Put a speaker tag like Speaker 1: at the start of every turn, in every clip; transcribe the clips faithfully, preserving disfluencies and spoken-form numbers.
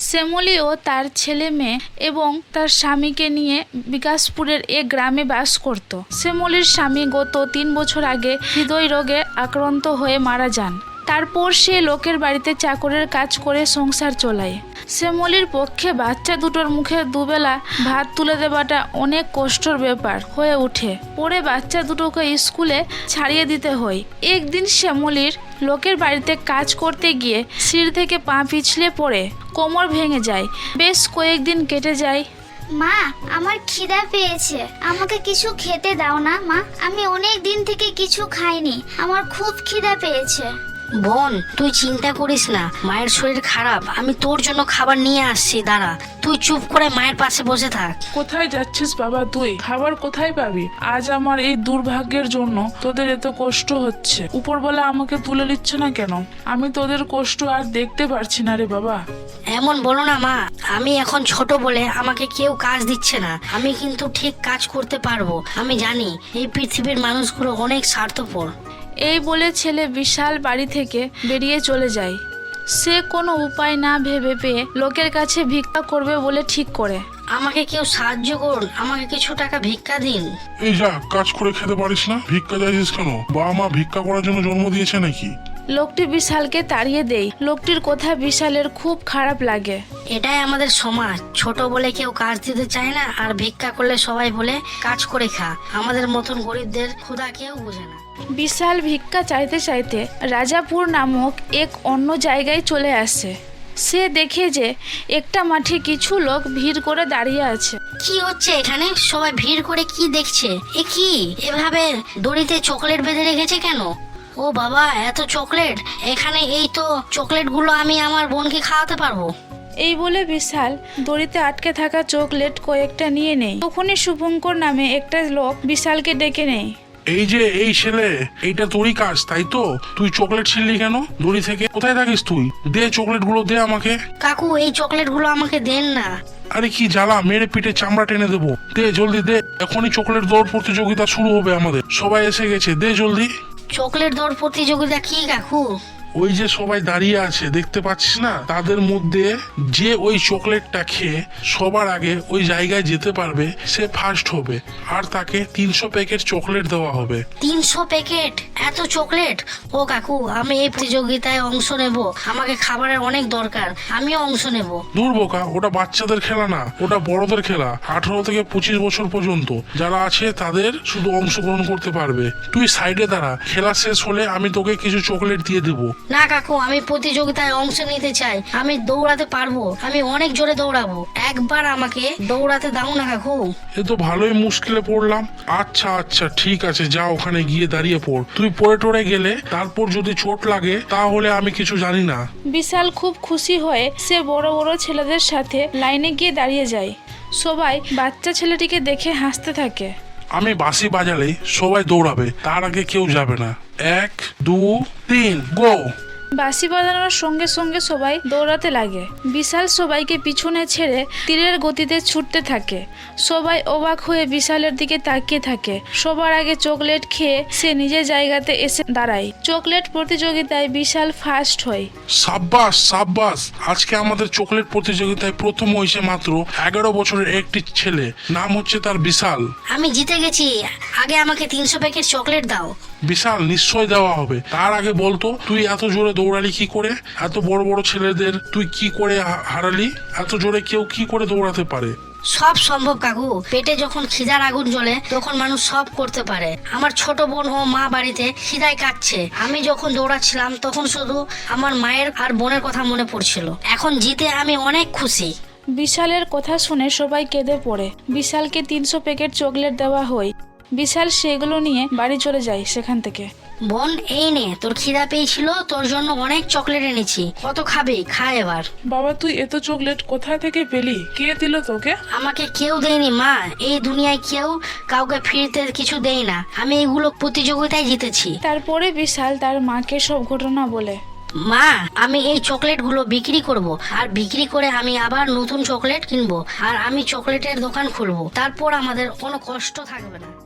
Speaker 1: শ্যামলী ও তার ছেলে মেয়ে এবং তার স্বামীকে নিয়ে বিকাশপুরের এক গ্রামে বাস করত। শ্যামলীর স্বামী গত তিন বছর আগে হৃদয় রোগে আক্রান্ত হয়ে মারা যান। তারপর সে লোকের বাড়িতে চাকরের কাজ করে সংসার চলায়। শ্যামলীর পক্ষে বাচ্চা দুটোর মুখে দুবেলা ভাত তুলে দেওয়াটা অনেক কষ্টের ব্যাপার হয়ে ওঠে। পরে বাচ্চা দুটোকে স্কুলে ছাড়িয়ে দিতে হয়। একদিন শ্যামলীর লোকের বাড়িতে কাজ করতে গিয়ে সিঁড়ি থেকে পা পিছলে পড়ে কোমর ভেঙে যায়। বেশ কয়েকদিন কেটে যায়।
Speaker 2: মা, আমার খিদা পেয়েছে, আমাকে কিছু খেতে দাও না মা। আমি অনেক দিন থেকে কিছু খাইনি, আমার খুব খিদা পেয়েছে।
Speaker 3: বোন, তুই চিন্তা করিস না, মায়ের শরীর খারাপ, আমি তোর জন্য খাবার নিয়ে আসছি, দাঁড়া। তুই চুপ করে মায়ের পাশে বসে থাক।
Speaker 4: কোথায় যাচ্ছিস বাবা তুই? খাবার কোথায় পাবি? আজ আমার এই দুর্ভাগ্যের জন্য তোদের এত কষ্ট হচ্ছে। উপরবেলা আমাকে তুলে নিচ্ছে না কেন? আমি তোদের কষ্ট আর দেখতে পারছি না রে বাবা।
Speaker 3: এমন বলো না মা, আমি এখন ছোট বলে আমাকে কেউ কাজ দিচ্ছে না। আমি কিন্তু ঠিক কাজ করতে পারবো। আমি জানি এই পৃথিবীর মানুষগুলো অনেক স্বার্থপর।
Speaker 1: এই বলে ছেলে বিশাল বাড়ি থেকে বেরিয়ে চলে যায়। সে কোনো উপায় না ভেবে পেয়ে লোকের কাছে ভিক্ষা করবে বলে ঠিক করে।
Speaker 3: আমাকে কেউ সাহায্য করুন, আমাকে কিছু টাকা ভিক্ষা দিন।
Speaker 5: এই যা, কাজ করে খেতে পারিস না, ভিক্ষা চাইছিস কেন? বাবা মা ভিক্ষা করার জন্য জন্ম দিয়েছে নাকি?
Speaker 1: লোকটি বিশালকে তাড়িয়ে দেয়। লোকটির কথা বিশালের খুব খারাপ লাগে।
Speaker 3: এটাই আমাদের সমাজ, ছোট বলে কেউ কাজ দিতে চায় না, আর ভিক্ষা করলে সবাই বলে কাজ করে খা। আমাদের মতন গরিবদের ক্ষুধা কেউ বোঝে না।
Speaker 1: বিশাল ভিক্ষা চাইতে চাইতে রাজাপুর নামক এক অন্য জায়গায় চলে আসে। সে দেখে যে একটা মাঠে কিছু লোক ভিড় করে দাঁড়িয়ে আছে।
Speaker 3: কি হচ্ছে এখানে? সবাই ভিড় করে কি দেখছে? এ কি এভাবে দড়িতে চকলেট বেঁধে রেখেছে কেন? ও বাবা, এত চকলেট এখানে! এই তো চকলেট গুলো আমি আমার বোনকে খাওয়াতে পারবো।
Speaker 1: এই বলে বিশাল দড়িতে আটকে থাকা চকলেট কয়েকটা নিয়ে নেয়। তখনই শুভঙ্কর নামে একটা লোক বিশালকে ডেকে নেয়।
Speaker 5: এই যে এই ছেলে, এইটা তোরই কাজ তাই তো? তুই চকলেট ছিনলি কেন দড়ি থেকে? কোথায় থাকিস তুই? দে চকলেট গুলো, দে আমাকে।
Speaker 3: কাকু, এই চকলেট গুলো আমাকে দেন না।
Speaker 5: আরে কি জ্বালা, মেরে পিঠে চামড়া টেনে দেবো। দে জলদি দে, এখনই চকলেট দৌড় প্রতিযোগিতা শুরু হবে আমাদের। সবাই এসে গেছে, দে জলদি।
Speaker 3: চকলেট দৌড় প্রতিযোগিতা কি কাকু?
Speaker 5: ওই যে সবাই দাঁড়িয়ে আছে দেখতে পাচ্ছিস না? তাদের মধ্যে যে ওই চকলেটটা খেয়ে সবার আগে ওই জায়গায় যেতে পারবে সে ফার্স্ট হবে, আর তাকে তিনশো প্যাকেট চকলেট দেওয়া হবে।
Speaker 3: তিনশো প্যাকেট? এত চকলেট? ও কাকু, আমি এই প্রতিযোগিতায় অংশ নেব, আমাকে খাবারের অনেক দরকার, আমিও অংশ নেব।
Speaker 5: দূর বোকা, ওটা বাচ্চাদের খেলা না, ওটা বড়দের খেলা। আঠারো থেকে পঁচিশ বছর পর্যন্ত যারা আছে তাদের শুধু অংশগ্রহণ করতে পারবে। তুই সাইডে দাঁড়া, খেলা শেষ হলে আমি তোকে কিছু চকলেট দিয়ে দেবো।
Speaker 3: না কাকু, আমি প্রতিযোগিতায় অংশ নিতে চাই, আমি দৌড়াতে পারবো, আমি অনেক জোরে দৌড়াবো। একবার আমাকে দৌড়াতে দাও না কাকু।
Speaker 5: এ তো ভালোই মুশকিলে পড়লাম। আচ্ছা আচ্ছা ঠিক আছে, যা ওখানে গিয়ে দাঁড়িয়ে পড়। তুই পড়ে টড়ে গেলে তারপর যদি চোট লাগে তাহলে আমি কিছু জানি না।
Speaker 1: বিশাল খুব খুশি হয়ে সে বড় বড় ছেলেদের সাথে লাইনে গিয়ে দাঁড়িয়ে যায়। সবাই বাচ্চা ছেলেটিকে দেখে হাসতে থাকে।
Speaker 5: আমি বাঁশি বাজালে সবাই দৌড়াবে, তার আগে কেউ যাবে না। এক দু তিন গো।
Speaker 1: বাঁশি বাজানোর সঙ্গে সঙ্গে সবাই দৌড়াতে লাগে। বিশাল সবাইকে পিছনে ছেড়ে তীরের গতিতে ছুটতে থাকে। সবাই অবাক হয়ে বিশালের দিকে তাকিয়ে থাকে। সবার আগে চকলেট খেয়ে সে নিজের জায়গাতে এসে দাঁড়ায়। চকলেট প্রতিযোগিতায় বিশাল ফার্স্ট হয়।
Speaker 5: সাব্বাস সাব্বাস, আজকে আমাদের চকলেট প্রতিযোগিতায় প্রথম হয়েছে মাত্র এগারো বছরের একটি ছেলে, নাম হচ্ছে তার বিশাল।
Speaker 3: আমি জিতে গেছি, আগে আমাকে তিনশো প্যাকেট চকলেট দাও।
Speaker 5: বিশাল, নিশ্চয় দেওয়া হবে। তার আগে বলতো তুই এত জোরে দৌড়ালি কি করে? এত বড় বড় ছেলেদের তুই কি করে হারালি? এত জোরে কেউ কি করে দৌড়াতে পারে?
Speaker 3: সব সম্ভব কাকু, পেটে যখন খিদার আগুন জ্বলে তখন মানুষ সব করতে পারে। আমার ছোট বোন ও মা বাড়িতে খিদায় কাটছে, আমি যখন দৌড়াচ্ছিলাম তখন শুধু আমার মায়ের আর বোনের কথা মনে পড়ছিল। এখন জিতে আমি অনেক খুশি।
Speaker 1: বিশালের কথা শুনে সবাই কেঁদে পড়ে। বিশালকে তিনশো প্যাকেট চকলেট দেওয়া হয়। বিশাল সেগুলো নিয়ে বাড়ি চলে যায় সেখান থেকে।
Speaker 3: বোন, এই নে, তোর খিদা পেয়েছিল, তোর জন্য অনেক চকলেট এনেছি, কত খাবি? খা এবার।
Speaker 4: বাবা, তুই এত চকলেট কোথা থেকে পেলি? কে দিল তোকে?
Speaker 3: আমাকে কেউ দেয়নি মা, এই দুনিয়ায় কেউ কাউকে ফিরতে কিছু দেয় না, আমি এগুলো প্রতিযোগিতায় জিতেছি।
Speaker 1: তারপরে বিশাল তার মাকে সব ঘটনা বলে।
Speaker 3: মা, আমি এই চকলেট গুলো বিক্রি করব, আর বিক্রি করে আমি আবার নতুন চকলেট কিনবো, আর আমি চকলেটের দোকান খুলবো, তারপর আমাদের কোনো কষ্ট থাকবে না।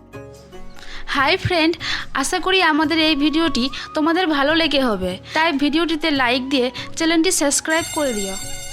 Speaker 1: হাই ফ্রেন্ড, আশা করি আমাদের এই ভিডিওটি তোমাদের ভালো লেগে হবে, তাই ভিডিওটিতে লাইক দিয়ে চ্যানেলটি সাবস্ক্রাইব করে দিও।